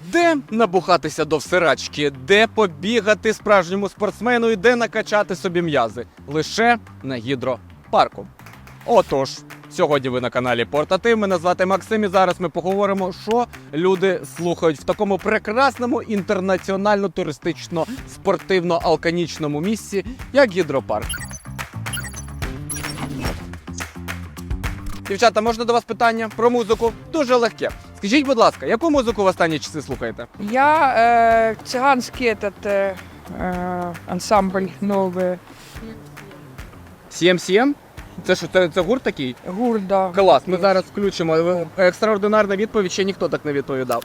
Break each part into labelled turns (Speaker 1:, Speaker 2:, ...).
Speaker 1: Де набухатися до всирачки, де побігати справжньому спортсмену і де накачати собі м'язи? Лише на гідропарку. Отож, сьогодні ви на каналі Портатив, мене звати Максим і зараз ми поговоримо, що люди слухають в такому прекрасному інтернаціонально-туристично-спортивно-алканічному місці, як гідропарк. Дівчата, можна до вас питання про музику? Дуже легке. Скажіть, будь ласка, яку музику в останні часи слухаєте?
Speaker 2: Я цыганский ансамбль новый.
Speaker 1: CM7? Це що, це гурт такий?
Speaker 2: Гурт, да.
Speaker 1: Клас, ми зараз включимо. Екстраординарна відповідь, ще ніхто так не відповідав.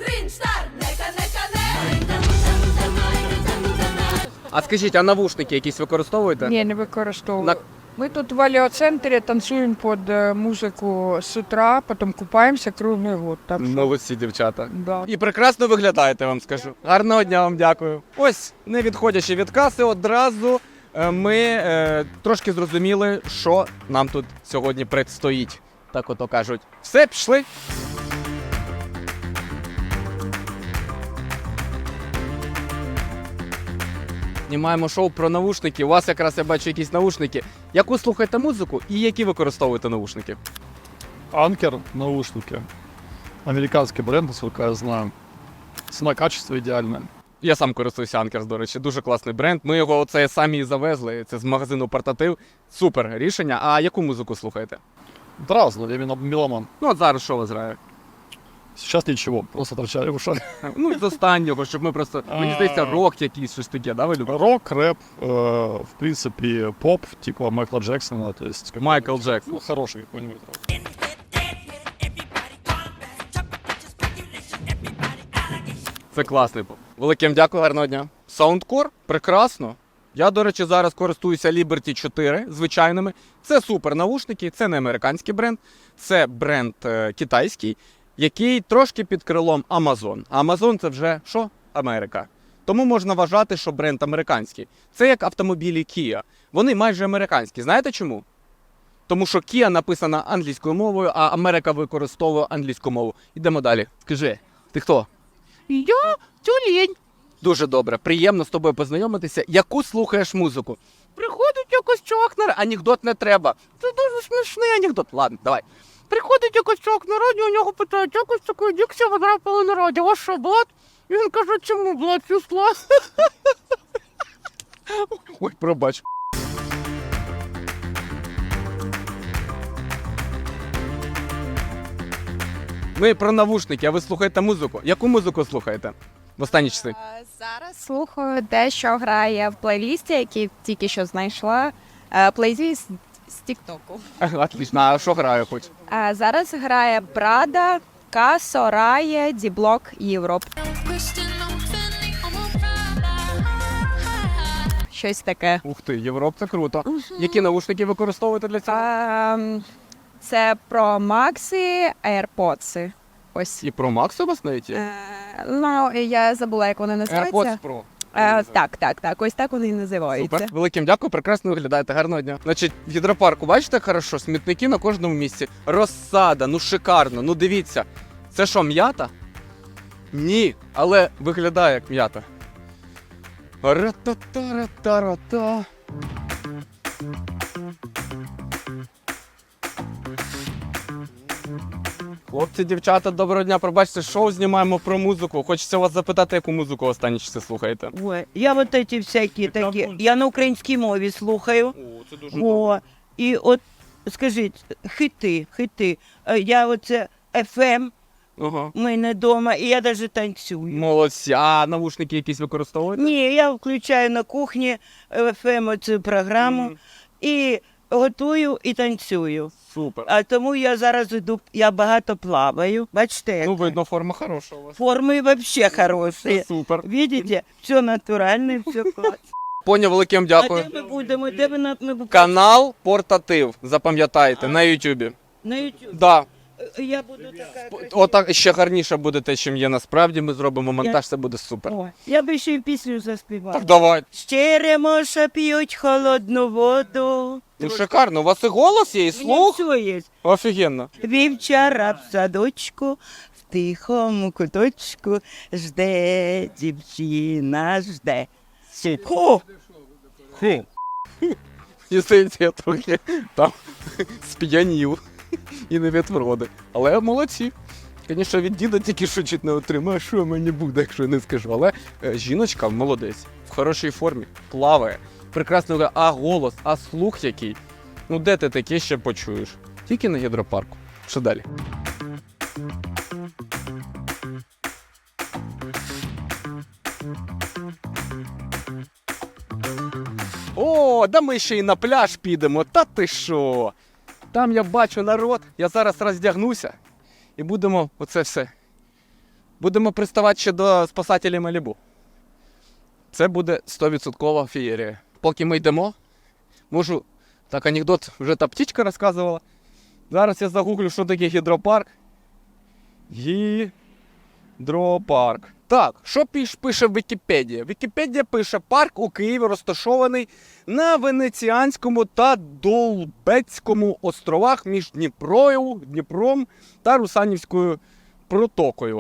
Speaker 1: А скажіть, а навушники якісь використовуєте?
Speaker 2: Ні, не використовую. Ми тут в Аліоцентрі танцюємо під музику з утра, потім купаємося круглий год. Так що,
Speaker 1: Молодці, дівчата.
Speaker 2: да.
Speaker 1: І прекрасно виглядаєте, вам скажу. Гарного дня вам дякую. Ось, не відходячи від каси, одразу ми трошки зрозуміли, що нам тут сьогодні предстоїть. Так ото кажуть. Все, пішли. Знімаємо шоу про навушники. У вас якраз я бачу якісь навушники. Яку слухаєте музику і які використовуєте навушники?
Speaker 3: Анкер наушники. Американский бренд, насколько я знаю. Цена-качество идеальное.
Speaker 1: Я сам користуюся Анкерс, до речі, дуже класний бренд. Ми його оце самі і завезли, це з магазину Портатив. Супер рішення. А яку музику слухаєте?
Speaker 3: Да разное, я именно меломан.
Speaker 1: Ну от зараз що ви зграєте?
Speaker 3: Сейчас ничего, просто торчали в ушах.
Speaker 1: Ну з останнього, щоб ми просто, мені здається, рок якийсь, щось таке, да, ви любите?
Speaker 3: Рок, рэп, в принципе, поп, типа Майкла Джексона, то есть...
Speaker 1: Майкл Джексон.
Speaker 3: Ну, хороший какой-нибудь.
Speaker 1: Це класний поп. Великим дякую, гарного дня. Саундкор? Прекрасно. Я, до речі, зараз користуюся Liberty 4 звичайними. Це супер навушники, це не американський бренд, це бренд китайський, який трошки під крилом Amazon. А Amazon це вже що? Америка. Тому можна вважати, що бренд американський. Це як автомобілі Kia. Вони майже американські. Знаєте чому? Тому що Kia написана англійською мовою, а Америка використовує англійську мову. Ідемо далі. Скажи, ти хто? Я тюлень. Дуже добре, приємно з тобою познайомитися. Яку слухаєш музику? Приходить якось чувак на анекдот не треба. Це дуже смішний анекдот. Ладно, давай. Приходить якось чувак на радіо, у нього питають, якось такої дикція потрапила на радіо. У вас що, блат? І він каже, чому блат пішла? Ой, пробач. Ми про навушники, а ви слухаєте музику. Яку музику слухаєте в останні часи?
Speaker 4: Зараз слухаю те, що грає в плейлісті, який тільки що знайшла. Плейліст з Тіктоку.
Speaker 1: Отлично, а що граю хоч?
Speaker 4: Зараз грає Прада, Касо, Рає, Діблок, Європ. Щось таке.
Speaker 1: Ух ти, Європ, це круто. Які навушники використовуєте для цього?
Speaker 4: Це про Максі, AirPods. Ось.
Speaker 1: І про Макс у вас навіть є?
Speaker 4: Ну, я забула, як вони називаються.
Speaker 1: AirPods Pro.
Speaker 4: Так. Ось так вони і називаються.
Speaker 1: Супер. Великим дякую, прекрасно виглядаєте. Гарного дня. Значить, в гідропарку, бачите, хорошо, смітники на кожному місці. Розсада, ну шикарно, ну дивіться. Це що, м'ята? Ні, але виглядає як м'ята. Ра-та-та-ра-та-ра-та. Хлопці, дівчата, доброго дня. Пробачте, шоу знімаємо про музику. Хочеться вас запитати, яку музику останні часи слухаєте?
Speaker 5: Ой, я вот эти всякі такі, я на українській мові слухаю.
Speaker 1: О, це дуже
Speaker 5: О, і от, скажіть, хити. Я оце FM,
Speaker 1: Ага.
Speaker 5: в мене вдома, і я навіть танцюю.
Speaker 1: Молодці. А навушники якісь використовуєте?
Speaker 5: Ні, я включаю на кухні FM оцю програму і готую і танцюю.
Speaker 1: Супер.
Speaker 5: А тому я зараз іду, я багато плаваю. Бачите,
Speaker 1: Ну,
Speaker 5: як
Speaker 1: видно, форма хороша у вас.
Speaker 5: форми взагалі хороші.
Speaker 1: Супер.
Speaker 5: Видите, все натуральне, все класно.
Speaker 1: Поняв, великим
Speaker 5: А
Speaker 1: дякую.
Speaker 5: де ми будемо? Де ми будемо?
Speaker 1: Канал Портатив, запам'ятайте, на Ютубі.
Speaker 5: На YouTube.
Speaker 1: Да.
Speaker 5: Я буду така.
Speaker 1: Отак ще гарніше буде те, чим є насправді. Ми зробимо монтаж, це буде супер.
Speaker 5: О, я би ще й пісню заспівала.
Speaker 1: Так давай.
Speaker 5: Щеремоша п'ють холодну воду.
Speaker 1: Ну шикарно, у вас і голос є, і
Speaker 5: У мене
Speaker 1: слух.
Speaker 5: все є.
Speaker 1: Офігенно.
Speaker 5: Вівчара в садочку, в тихому куточку жде дівчина, жде. Хо!
Speaker 1: Мені здається, я трохи там сп'янів і не від вроди. Але молодці. Звісно, від діда тільки що чуть не отримаю, що мені буде, якщо я не скажу. Але жіночка молодець, в хорошій формі, плаває, прекрасно грає. А голос, а слух який. Ну де ти таке ще почуєш? Тільки на гідропарку. Що далі? О, да ми ще й на пляж підемо, та ти що? Там я бачу народ, я зараз роздягнуся і будемо оце все. Будемо приставати ще до спасателів Малібу. Це буде 100% феєрія. Поки ми йдемо, можу, так анекдот вже та птічка розказувала. Зараз я загуглю, що таке гідропарк. Гідропарк. Так, що пише Вікіпедія? Вікіпедія пише: парк у Києві розташований на Венеціанському та Долбецькому островах між Дніпром та Русанівською протокою.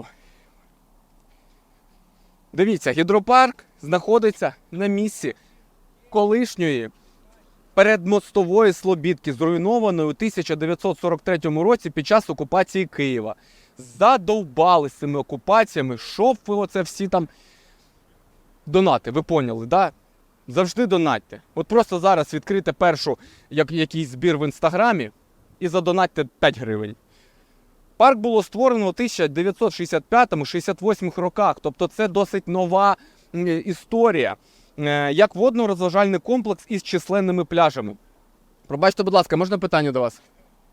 Speaker 1: Дивіться, гідропарк знаходиться на місці колишньої передмостової Слобідки, зруйнованої у 1943 році під час окупації Києва. Задовбали з цими окупаціями, щоб ви оце всі там донати, ви поняли, да? Завжди донатьте. От просто зараз відкрийте першу якийсь збір в Інстаграмі і задонатьте 5 гривень. Парк було створено у 1965-68 роках, тобто це досить нова історія, як водно-розважальний комплекс із численними пляжами. Пробачте, будь ласка, можна питання до вас?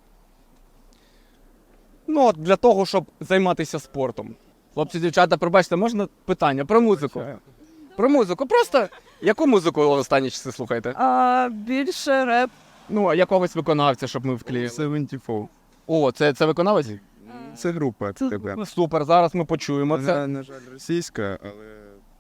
Speaker 1: Ну, от для того, щоб займатися спортом. Хлопці, дівчата, пробачте, можна питання про музику? Про музику. Просто яку музику ви останні часи слухаєте?
Speaker 6: Більше реп.
Speaker 1: Ну, а якогось виконавця, щоб ми вклеїли.
Speaker 7: 74.
Speaker 1: О, це виконавець?
Speaker 7: Це група тебе.
Speaker 1: Супер, зараз ми почуємо це.
Speaker 7: На жаль, російська, але.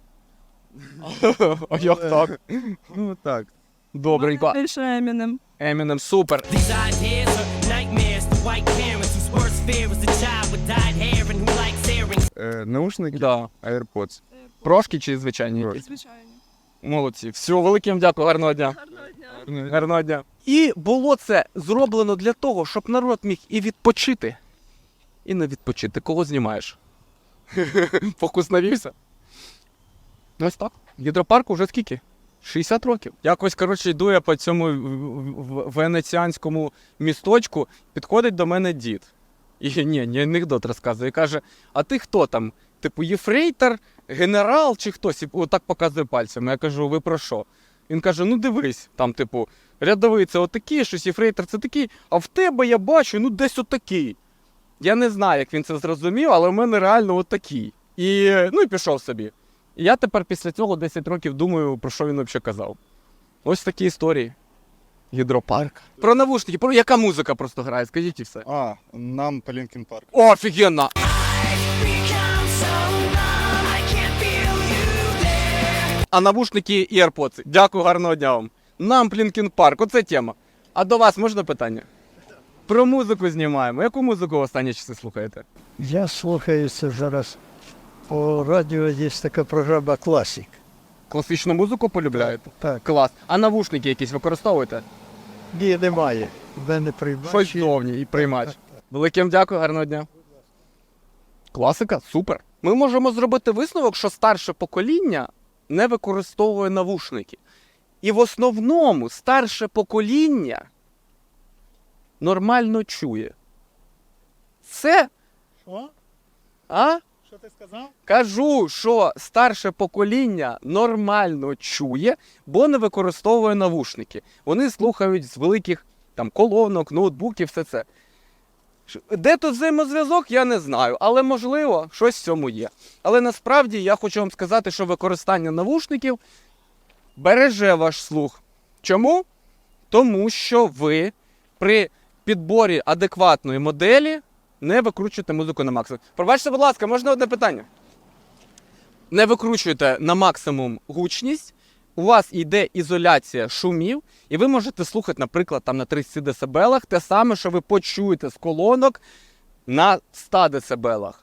Speaker 1: А як так?
Speaker 7: Ну так.
Speaker 1: Добренько.
Speaker 6: Більше Емінем.
Speaker 1: Eminem, супер.
Speaker 8: These ideas are nightmares to white parents whose worst fear is a child with dyed hair and who likes earrings.
Speaker 7: Наушники,
Speaker 1: Да.
Speaker 7: AirPods.
Speaker 1: Прошки чи звичайні?
Speaker 7: Прошки.
Speaker 6: Звичайно.
Speaker 1: Молодці. Все, велике вам дякую, гарного дня. Гарного дня. І було це зроблено для того, щоб народ міг і відпочити, і не відпочити. Кого знімаєш? Фокус навівся? Ось так. Гідропарку вже скільки? 60 років. Якось, коротше, йду я по цьому венеціанському місточку, підходить до мене дід. І не анекдот розказує. І каже: а ти хто там? Типу, єфрейтор, генерал чи хтось? І отак показує пальцями. Я кажу: ви про що? Він каже: ну дивись, там, типу, рядовий це отакий, щось єфрейтор це такий, а в тебе я бачу, ну десь отакий. Я не знаю, як він це зрозумів, але в мене реально отакий. І пішов собі. І я тепер після цього 10 років думаю, про що він взагалі казав. Ось такі історії. Гідропарк. Про навушники, про яка музика просто грає, скажіть і все.
Speaker 3: Нам по Лінкін Парк.
Speaker 1: О, офігенно! А навушники і AirPods. Дякую, гарного дня вам. Нам Лінкін Парк, оце тема. А до вас можна питання? Про музику знімаємо. Яку музику в останні часи слухаєте?
Speaker 9: Я слухаюся зараз. По радіо є така програма «Класік».
Speaker 1: Класичну музику полюбляєте?
Speaker 9: Так.
Speaker 1: Клас. А навушники якісь використовуєте?
Speaker 9: Ні, немає. В мене приймач.
Speaker 1: Щось зовні і приймач. Великим дякую, гарного дня. Класика, супер. Ми можемо зробити висновок, що старше покоління не використовує навушники. І в основному старше покоління нормально чує. Це...
Speaker 3: Що?
Speaker 1: А?
Speaker 3: Що ти сказав?
Speaker 1: Кажу, що старше покоління нормально чує, бо не використовує навушники. Вони слухають з великих там колонок, ноутбуків, все це. Де тут взаємозв'язок, я не знаю, але можливо, щось в цьому є. Але насправді я хочу вам сказати, що використання навушників береже ваш слух. Чому? Тому що ви при підборі адекватної моделі не викручуєте музику на максимум. Пробачте, будь ласка, можна одне питання? Не викручуєте на максимум гучність, у вас йде ізоляція шумів, і ви можете слухати, наприклад, там на 30 дБ те саме, що ви почуєте з колонок на 100 дБ.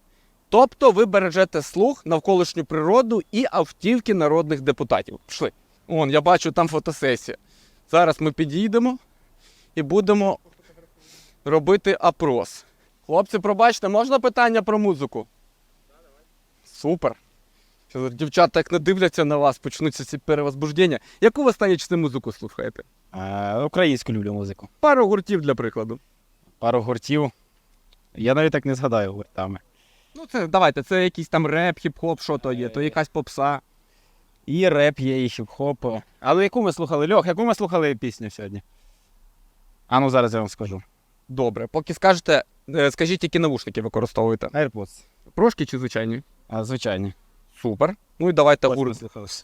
Speaker 1: Тобто ви бережете слух, навколишню природу і автівки народних депутатів. Пішли. Вон, я бачу, там фотосесія. Зараз ми підійдемо і будемо робити опрос. Хлопці, пробачте, можна питання про музику? Супер. Що дівчата, як не дивляться на вас, почнуться ці перевозбуждення. Яку ви останні часи музику слухаєте?
Speaker 10: Українську люблю музику.
Speaker 1: Пару гуртів для прикладу.
Speaker 10: Пару гуртів. Я навіть так не згадаю гуртами.
Speaker 1: Ну, це давайте, це якийсь там реп, хіп-хоп, що то є, то якась попса.
Speaker 10: І реп є, і хіп-хоп. Але яку ми слухали? Льох, яку ми слухали пісню сьогодні? А ну зараз я вам скажу.
Speaker 1: Добре, поки скажете, скажіть, які навушники використовуєте?
Speaker 10: AirPods.
Speaker 1: Прошки чи звичайні?
Speaker 10: Звичайні.
Speaker 1: Супер. Ну і давайте
Speaker 10: Ось
Speaker 1: гурт.
Speaker 10: послухався.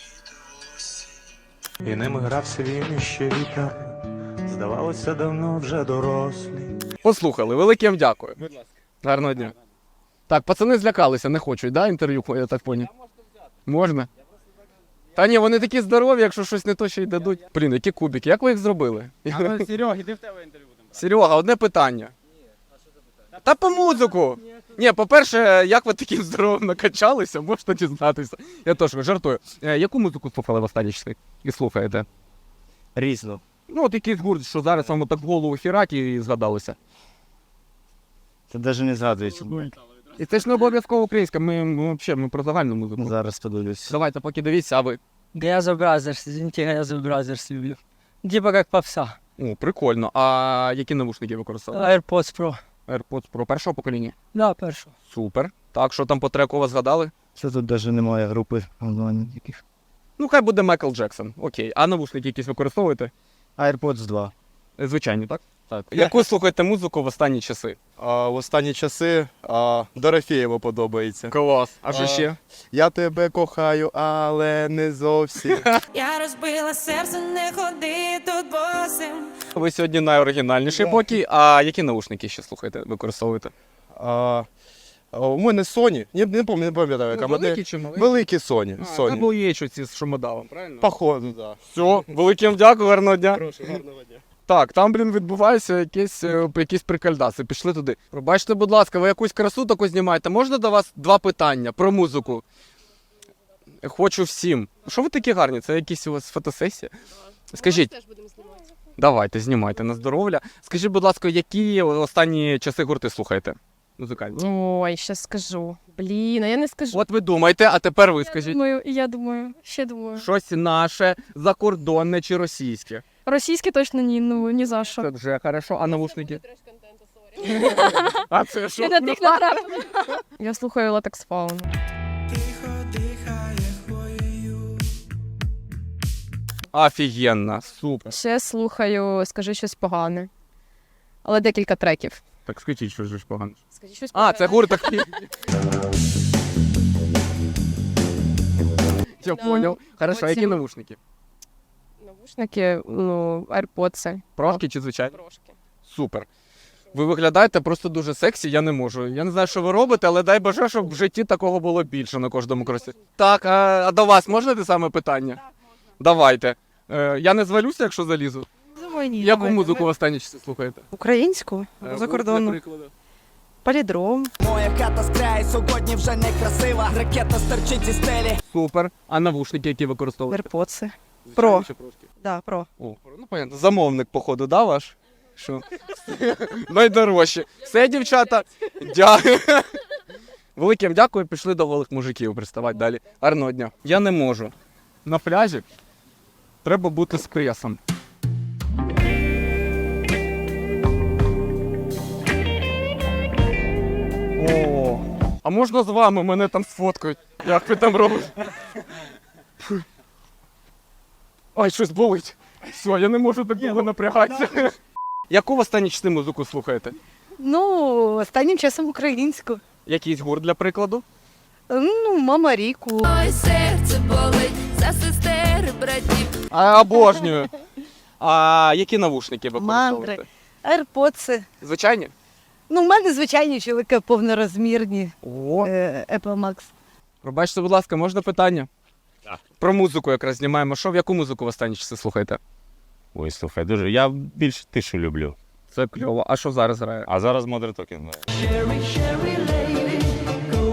Speaker 11: І ними грався він іще вітер. Здавалося, давно вже дорослі.
Speaker 1: Послухали, велике вам дякую. Будь ласка. Гарного дня. Так, пацани злякалися, не хочуть, да, інтерв'ю, я так поняв? Можна? Та ні, вони такі здорові, якщо щось не то, ще й дадуть. Блін, які кубики, як ви їх зробили?
Speaker 10: Серег, іди в тебе інтерв'ю.
Speaker 1: Серега, одне питання. Та по музику. Ні, по-перше, як ви таким здоровим накачалися, можна дізнатися. Я теж жартую. Яку музику слухали в останні часи? І слухаєте?
Speaker 10: Різно.
Speaker 1: Ну, от якийсь гурт, що зараз вам так в голову хірать і згадалося.
Speaker 10: Це навіть не згадується.
Speaker 1: І це ж не обов'язково українська, ми про загальну музику.
Speaker 10: Зараз подивлюсь.
Speaker 1: Давайте, поки дивіться, а ви?
Speaker 6: Газо Бразерс, извините, Газо Бразерс люблю. Типа как попса.
Speaker 1: О, прикольно. А які навушники використовуєте?
Speaker 6: AirPods Pro.
Speaker 1: AirPods Pro першого покоління?
Speaker 6: Да, першого.
Speaker 1: Супер. Так, що там по треку вас згадали?
Speaker 10: Це тут навіть немає групи онлайн яких.
Speaker 1: Ну, хай буде Майкл Джексон. Окей. А навушники якісь використовуєте?
Speaker 10: AirPods 2.
Speaker 1: Звичайні, так? Так. Яку слухаєте музику в останні часи?
Speaker 7: В останні часи Дорофєєва подобається.
Speaker 1: Клас. А що ще?
Speaker 7: Я тебе кохаю, але не зовсім.
Speaker 8: Я розбила серце, не ходи тут босим.
Speaker 1: Ви сьогодні найоригінальніший поки. А які навушники ще слухаєте, використовуєте?
Speaker 7: У мене Sony, не пам'ятаю, яка модель.
Speaker 1: Великі чи маленькі?
Speaker 7: Великі Sony.
Speaker 1: Це
Speaker 7: Sony.
Speaker 1: були є ці з шумодавом, правильно?
Speaker 7: Походу, так. Да.
Speaker 1: Все, великим дякую, гарного дня.
Speaker 7: Прошу, гарного дня.
Speaker 1: Так, там, відбуваються якісь прикольдаси. Пішли туди. Пробачте, будь ласка, ви якусь красу таку знімаєте. Можна до вас два питання про музику? Хочу всім. Що ви такі гарні? Це якісь у вас фотосесія? Скажіть. Давайте, знімайте на здоров'я. Скажіть, будь ласка, які останні часи гурти слухаєте? Музикальні.
Speaker 4: Ой, ще скажу. Блін, а я не скажу.
Speaker 1: От ви думаєте, а тепер ви скажіть.
Speaker 4: Я думаю, ще думаю.
Speaker 1: Щось наше, закордонне чи російське?
Speaker 4: Російське точно ні, ну ні за що.
Speaker 1: Це вже хорошо, а навушники? А це що?
Speaker 4: Я на тих натрапила. Я слухаю Latex Fauna.
Speaker 1: Офігенно, супер.
Speaker 4: Ще слухаю, скажи щось погане. Але декілька треків.
Speaker 1: Так скажіть, що ж погано.
Speaker 4: Скажи щось
Speaker 1: А,
Speaker 4: погане.
Speaker 1: це гурт такий. Я понял. Хорошо,
Speaker 4: Потім-
Speaker 1: які навушники?
Speaker 4: Навушники, ну, AirPods.
Speaker 1: Прошки чи звичайні?
Speaker 4: Трошки.
Speaker 1: Супер. Ви виглядаєте просто дуже сексі, я не можу. Я не знаю, що ви робите, але дай Боже, щоб в житті такого було більше на кожному кросі. Так, а до вас можна те саме питання? Так, можна. Давайте. Я не звалюся, якщо залізу.
Speaker 6: Думаю, ні.
Speaker 1: Яку музику в останні часи слухаєте?
Speaker 6: Українську?
Speaker 1: Для
Speaker 6: Закордонну.
Speaker 1: прикладу.
Speaker 6: Палідром.
Speaker 8: Моя хата з краю сьогодні вже не красива. Ракета стерчить зі стелі.
Speaker 1: Супер. А навушники, які використовуєте?
Speaker 6: AirPods.
Speaker 1: Звичайні
Speaker 6: Про.
Speaker 1: чи прошки?
Speaker 6: Да, про.
Speaker 1: О, ну понятно. Замовник, походу, да, ваш? Що? Найдорожче. Все, дівчата. Дякую. Великим дякую, пішли до голих мужиків приставати далі. Гарного дня. Я не можу. На пляжі треба бути з пресом. О, а можна з вами? Мене там сфоткають. Як ви там робите? Фу. Ай, щось болить. Все, я не можу так довго напрягатися. Яку в останні часи музику слухаєте?
Speaker 6: Ну, останнім часом українську.
Speaker 1: Якийсь гурт, для прикладу?
Speaker 6: Ну, Мама Ріку.
Speaker 4: Ой, серце болить за сестер, братів.
Speaker 1: Обожнюю. А які навушники використовуєте?
Speaker 6: Мандри. AirPods.
Speaker 1: Звичайні?
Speaker 6: Ну, в мене звичайні чоловіки повнорозмірні.
Speaker 1: О,
Speaker 6: Apple Max.
Speaker 1: пробачте, будь ласка, можна питання?
Speaker 10: Так.
Speaker 1: Про музику якраз знімаємо. Що, в яку музику в останні часи слухаєте?
Speaker 10: Ой, слухай, дуже. Я більш тишу люблю.
Speaker 1: Це кльово. А що зараз грає?
Speaker 10: А зараз Modern Talking.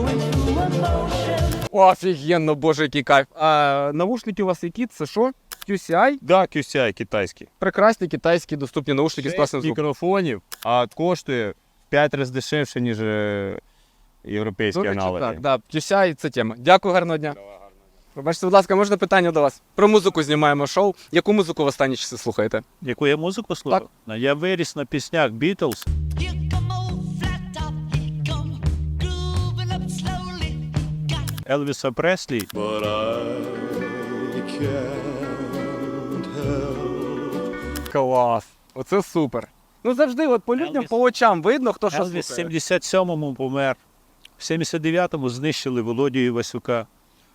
Speaker 1: Офігенно, боже, який кайф. А навушники у вас які? Це що? QCI?
Speaker 3: Да, QCI китайський.
Speaker 1: Прекрасні китайські доступні наушники з класним звуком.
Speaker 3: Мікрофонів, а коштує в 5 разів дешевше, ніж європейські
Speaker 1: До речі,
Speaker 3: аналоги.
Speaker 1: так, да, QCI – це тема. Дякую, гарного дня. Пробачте, будь ласка, можна питання до вас? Про музику знімаємо шоу. Яку музику в останні часи слухаєте?
Speaker 3: Яку я музику слухав? Я виріс на піснях Beatles. Елвіса Преслі.
Speaker 1: Клас. Оце супер. Ну завжди от по людям, по очам видно, хто що
Speaker 3: Елвіс в
Speaker 1: слухає.
Speaker 3: 77-му помер. В 79-му знищили Володю Івасюка.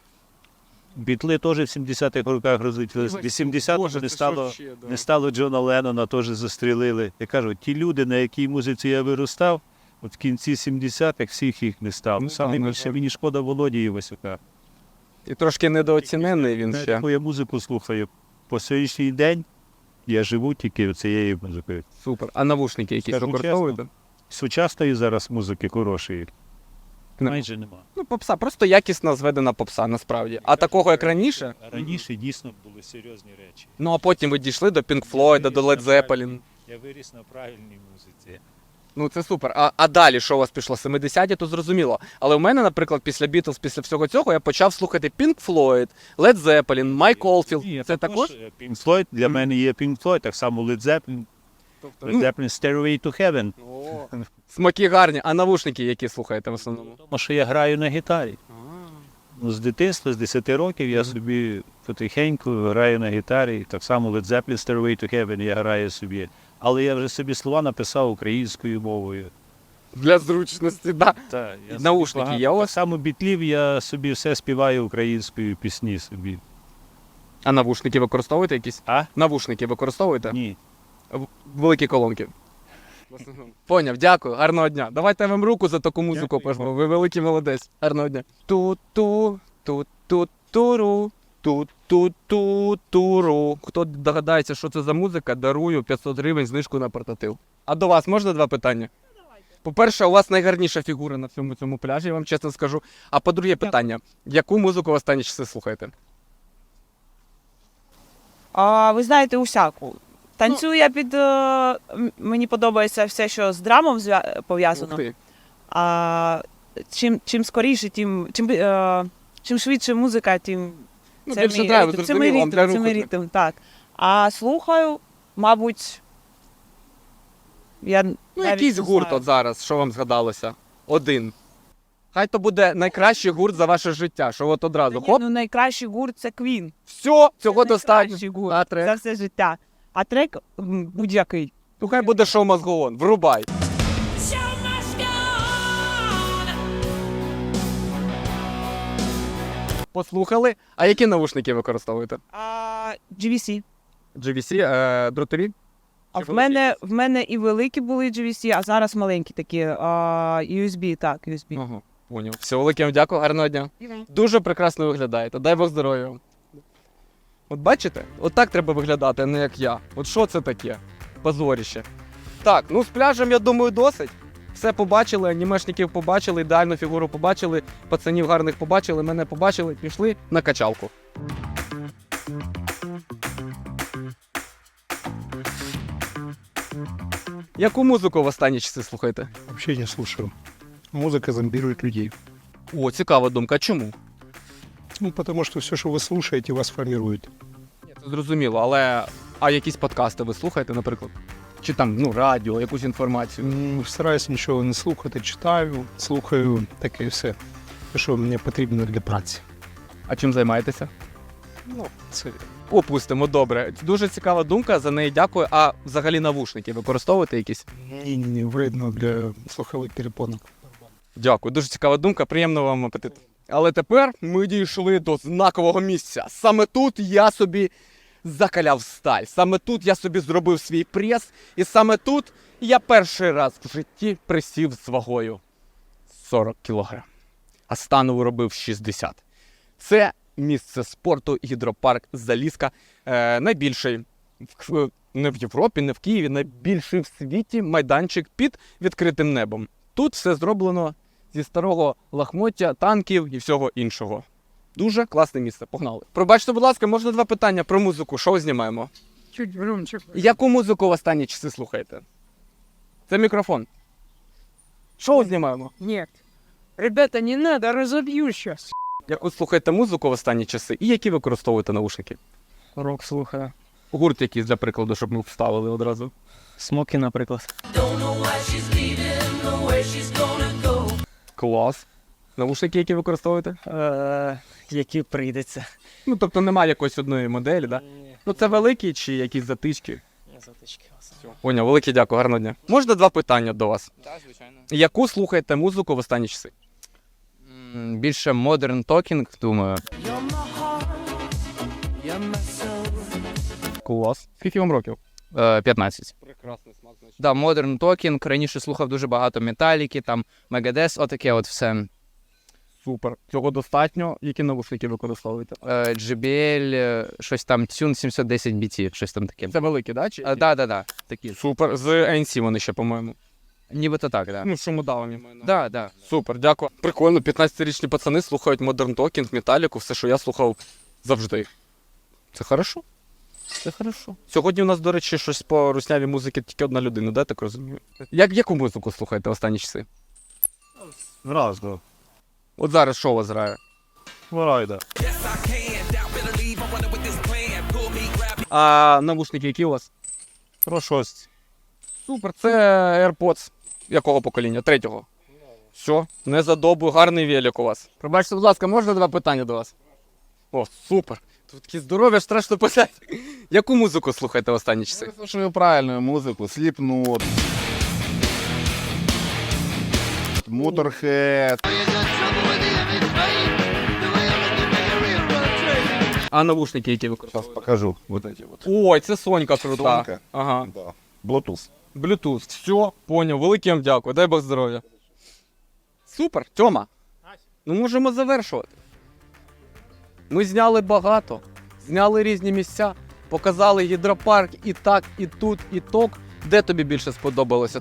Speaker 3: Бітли теж в 70-х роках розлетілися. В 80-му не стало Джона Леннона, теж застрілили. Я кажу, ті люди, на якій музиці я виростав, от в кінці 70-х всіх їх не стало.
Speaker 1: Ну,
Speaker 3: Саме
Speaker 1: так,
Speaker 3: більше мені шкода Володі Івасюка.
Speaker 1: І трошки недооцінений він ще.
Speaker 3: Яку я музику слухаю. По сьогоднішній день я живу тільки цією музикою.
Speaker 1: Супер. А навушники якісь
Speaker 3: Скажу
Speaker 1: використовуєте?
Speaker 3: Сучасної зараз музики хорошої майже нема.
Speaker 1: Ну, попса, просто якісно зведена попса, насправді. А такого, як раніше,
Speaker 3: Раніше дійсно були серйозні речі.
Speaker 1: ну а потім ви дійшли до Pink Floyd, до Led Zeppelin.
Speaker 3: Я виріс на правильній музиці.
Speaker 1: Ну це супер. А далі що у вас пішло? 70-ті, то зрозуміло. Але у мене, наприклад, після Beatles, після всього цього, я почав слухати Pink Floyd, Led Zeppelin, Майк Олфілд. Це також?
Speaker 3: Pink Floyd, для мене є Pink Floyd, так само Led Zeppelin. Led Zeppelin Stairway to Heaven.
Speaker 1: Смаки гарні. А навушники які слухаєте в основному?
Speaker 3: Тому що я граю на гітарі. Ну, з дитинства, з 10 років я собі потихеньку граю на гітарі. Так само Led Zeppelin Stairway to Heaven я граю собі. Але я вже собі слова написав українською мовою.
Speaker 1: Для зручності, так.
Speaker 3: Та, я
Speaker 1: Наушники
Speaker 3: собі
Speaker 1: є у
Speaker 3: Так
Speaker 1: вас?
Speaker 3: само бітлів я собі все співаю українською пісні собі.
Speaker 1: А навушники використовуєте якісь?
Speaker 3: А?
Speaker 1: Навушники використовуєте?
Speaker 3: Ні.
Speaker 1: Великі колонки. Поняв, дякую, гарного дня. Давайте я вам руку за таку музику пожму. Ви великий молодець. Гарного дня. Ту-ту, ту-ту-туру, ту-ту-ту-туру. Хто догадається, що це за музика, дарую 500 гривень знижку на портатив. А до вас можна два питання? По-перше, у вас найгарніша фігура на всьому цьому пляжі, я вам чесно скажу. А по-друге питання, яку музику в останні часи слухаєте?
Speaker 12: Ви знаєте, усяку. Танцюю я під. Мені подобається все, що з драмом
Speaker 1: Ух
Speaker 12: пов'язано.
Speaker 1: ти.
Speaker 12: А чим скоріше, чим швидше музика, тим
Speaker 1: Ну,
Speaker 12: це
Speaker 1: більше
Speaker 12: мій
Speaker 1: драйву,
Speaker 12: ритм.
Speaker 1: зрозуміло, вам для
Speaker 12: Це мій
Speaker 1: руху
Speaker 12: ритм, так. А слухаю, мабуть. Я
Speaker 1: Ну,
Speaker 12: навіть
Speaker 1: якийсь
Speaker 12: не
Speaker 1: гурт
Speaker 12: знаю.
Speaker 1: от зараз, що вам згадалося? Один. Хай то буде найкращий гурт за ваше життя, що от одразу.
Speaker 12: Ні,
Speaker 1: Хоп,
Speaker 12: ну, найкращий гурт це Queen.
Speaker 1: все, цього достатньо.
Speaker 12: Найкращий гурт
Speaker 1: А трек?
Speaker 12: за все життя. А трек будь-який.
Speaker 1: Ну хай буде шоу мозгоон, врубай. Послухали. А які навушники використовуєте?
Speaker 12: GVC.
Speaker 1: GVC, дротові?
Speaker 12: А
Speaker 1: Чи
Speaker 12: в мене і великі були GVC, а зараз маленькі такі. USB, так, USB.
Speaker 1: Ага, поняв. Все, велике вам дякую, гарного дня. Дуже прекрасно виглядаєте, дай Бог здоров'я вам. От бачите? От так треба виглядати, а не як я. От що це таке? Позоріще. Так, ну з пляжем, я думаю, досить. Все побачили, анімешників побачили, ідеальну фігуру побачили, пацанів гарних побачили, мене побачили, пішли на качалку. Яку музику в останні часи слухаєте?
Speaker 9: Вообще не слушаю. Музыка зомбирует людей.
Speaker 1: О, цікава думка. Чому?
Speaker 9: Ну, потому что все, что вы слушаете, вас формирует.
Speaker 1: Ні, це зрозуміло, але а якісь подкасти ви слухаєте, наприклад? Чи там, ну, радіо, якусь інформацію?
Speaker 9: Стараюсь нічого не слухати, читаю, слухаю таке все, що мені потрібно для праці.
Speaker 1: А чим займаєтеся?
Speaker 9: Ну, це
Speaker 1: Опустимо, добре. Дуже цікава думка, за неї дякую. А взагалі навушники використовуєте якісь?
Speaker 9: ні, вредно для слухових перепонок.
Speaker 1: Дякую, дуже цікава думка, приємного вам апетиту. Але тепер ми дійшли до знакового місця. Саме тут я собі закаляв сталь. Саме тут я собі зробив свій прес. І саме тут я перший раз в житті присів з вагою 40 кг. А станову робив 60. Це місце спорту гідропарк Залізка. Найбільший не в Європі, не в Києві, найбільший в світі майданчик під відкритим небом. Тут все зроблено зі старого лахмоття, танків і всього іншого. Дуже класне місце. Погнали. Пробачте, будь ласка, можна 2 питання про музику. Що знімаємо?
Speaker 2: Чуть громче.
Speaker 1: Яку музику в останні часи слухаєте? Це мікрофон. Що знімаємо?
Speaker 2: Нет. Ребята, не надо, разобью сейчас.
Speaker 1: Яку слухаєте музику в останні часи і які використовуєте наушники?
Speaker 6: Рок слухаю.
Speaker 1: Гурт якийсь, для прикладу, щоб ми вставили одразу.
Speaker 6: Смоки, наприклад.
Speaker 1: Клас. Наушники, які використовуєте?
Speaker 6: Які прийдеться.
Speaker 1: Ну, тобто немає якоїсь одної моделі, так? Да? Ну, це великі чи якісь затички?
Speaker 6: Затички.
Speaker 1: Поняв, велике дякую, гарного дня. Можна 2 питання до вас?
Speaker 10: Так, звичайно.
Speaker 1: Яку слухаєте музику в останні часи?
Speaker 10: Більше Modern Talking, думаю.
Speaker 1: Клас. Скільки вам років?
Speaker 10: 15.
Speaker 1: Прекрасний смак, значить.
Speaker 10: Да, Modern Talking. Раніше слухав дуже багато Металіки, там Megadeth, отаке от все.
Speaker 1: Супер. Цього достатньо. Які навушники використовуєте?
Speaker 10: JBL, щось там Tune 710 BT, щось там таке.
Speaker 1: Це великі, да? Чи?
Speaker 10: Да. Такі.
Speaker 1: Супер. З ANC вони ще, по-моєму.
Speaker 10: Нібито так, да.
Speaker 1: Ну, шумодавами маю.
Speaker 10: Да.
Speaker 1: Супер, дякую. Прикольно, 15-річні пацани слухають Modern Talking, Металіку, все, що я слухав завжди. Це хорошо? Це хорошо. Сьогодні у нас, до речі, щось по руснявій музиці тільки одна людина, да, так розумію? Яку музику слухаєте останні часи?
Speaker 3: Разно.
Speaker 1: От зараз що у вас грає?
Speaker 3: Варайда.
Speaker 1: А навушники які у вас?
Speaker 3: Про щось.
Speaker 1: Супер, це AirPods. Якого покоління? 3-го. Все, не задобу, гарний велик у вас. Пробачте, будь ласка, можна 2 питання до вас? О, супер. Тут такі здоров'я, страшно писати. Яку музику слухаєте в останні часи?
Speaker 7: Я слушаю правильную музыку. Slipknot. Motorhead.
Speaker 1: А навушники які використовуєте?
Speaker 7: Покажу. Вот эти вот.
Speaker 1: Ой, це Сонька крута.
Speaker 7: Сонька?
Speaker 1: Ага.
Speaker 7: Да. Bluetooth.
Speaker 1: Bluetooth. Все, поняв. Велике вам дякую. Дай Бог здоров'я. Супер, Тьома. Ну можемо завершувати. Ми зняли багато. Зняли різні місця. Показали гідропарк і так, і тут, і ток. Де тобі більше сподобалося?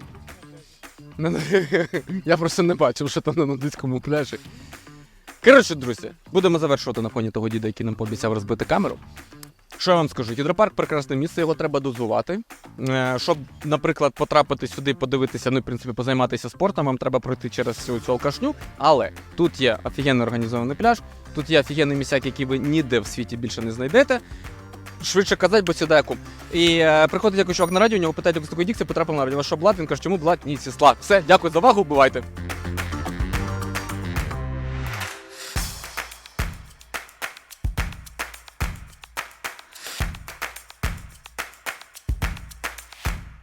Speaker 1: Я просто не бачив, що там на нудиському пляжі. Коротше, друзі, будемо завершувати на фоні того діда, який нам пообіцяв розбити камеру. Що я вам скажу? Гідропарк – прекрасне місце, його треба дозувати. Щоб, наприклад, потрапити сюди, подивитися, ну і, в принципі, позайматися спортом, вам треба пройти через цю алкашню. Але тут є офігенно організований пляж, тут є офігенний місяк, який ви ніде в світі більше не знайдете. Швидше казати, бо сідає кум. І приходить якийсь чувак на радіо, у нього питають, як з такої дікції потрапив на радіо. Що блат? Він каже, чому блат? Ні, сісла. Все, дякую за увагу, бувайте.